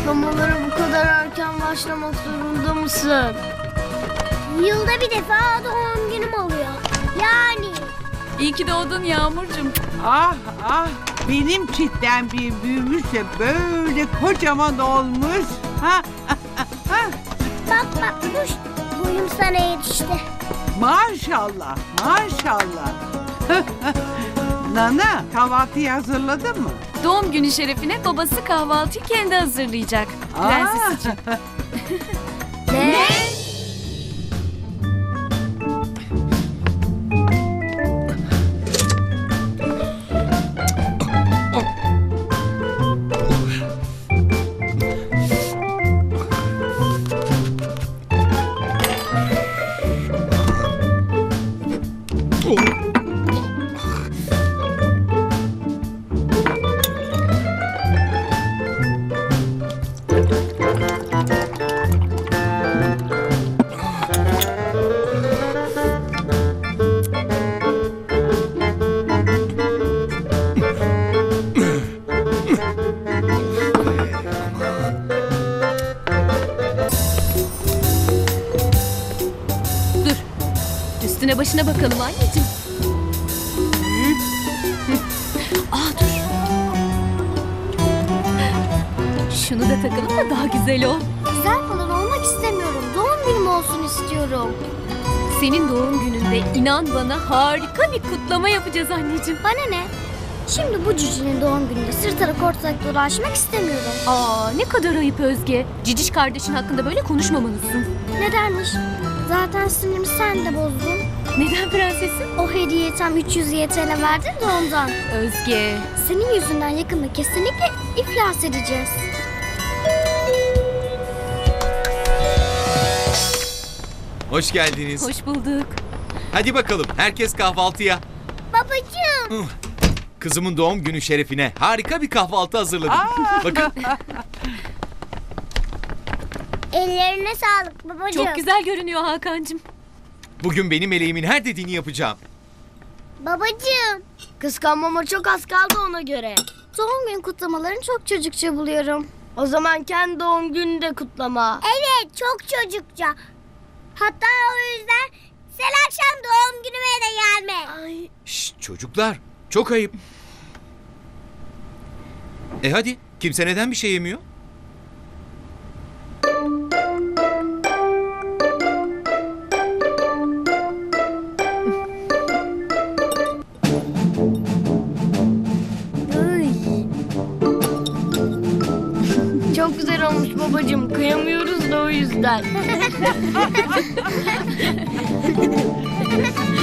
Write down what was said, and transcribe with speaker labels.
Speaker 1: Kutlamalara bu kadar erken başlamak zorunda mısın?
Speaker 2: Yılda bir defa doğum günüm oluyor. Yani.
Speaker 3: İyi ki doğdun Yağmurcuğum.
Speaker 4: Ah ah, benim çitten bir büyümüş de böyle kocaman olmuş. Ha,
Speaker 2: Bak kuş. Boyum sana yetişti.
Speaker 4: maşallah maşallah. Nana, kahvaltıyı hazırladın mı?
Speaker 3: Doğum günü şerefine babası kahvaltıyı kendi hazırlayacak. Prenses için.
Speaker 1: Ne?
Speaker 3: Dur. Üstüne başına bakalım anneciğim. Dur. Şunu da takalım da daha güzel ol.
Speaker 2: Güzel falan olmak istemiyorum. Doğum günüm olsun istiyorum.
Speaker 3: Senin doğum gününde inan bana harika bir kutlama yapacağız anneciğim.
Speaker 2: Bana ne? Şimdi bu cücinin doğum gününde sırtarak ortalık dolaşmak istemiyorum.
Speaker 3: Ne kadar ayıp Özge. Ciciş kardeşin hakkında böyle konuşmamalısın.
Speaker 2: Nedenmiş? Zaten sinirimi sen de bozdun.
Speaker 3: Neden prensesim?
Speaker 2: O hediyeyi tam 300 YTL verdin de ondan.
Speaker 3: Özge.
Speaker 2: Senin yüzünden yakında kesinlikle iflas edeceğiz.
Speaker 5: Hoş geldiniz.
Speaker 3: Hoş bulduk.
Speaker 5: Hadi bakalım herkes kahvaltıya.
Speaker 2: Babacığım.
Speaker 5: Kızımın doğum günü şerefine harika bir kahvaltı hazırladım. Bakın
Speaker 2: Ellerine sağlık babacığım.
Speaker 3: Çok güzel görünüyor Hakan'cığım.
Speaker 5: bugün benim eleğimin her dediğini yapacağım.
Speaker 2: Babacığım.
Speaker 1: Kıskanmama çok az kaldı ona göre.
Speaker 2: Doğum gün kutlamalarını çok çocukça buluyorum.
Speaker 1: O zaman kendi doğum gününü de kutlama.
Speaker 2: Evet, çok çocukça. Hatta o yüzden sen akşam doğum günüme de gelme.
Speaker 1: Ay.
Speaker 5: Şşt çocuklar çok ayıp. Hadi kimse neden bir şey yemiyor?
Speaker 1: Çok güzel olmuş babacığım. Kıyamıyoruz da o yüzden.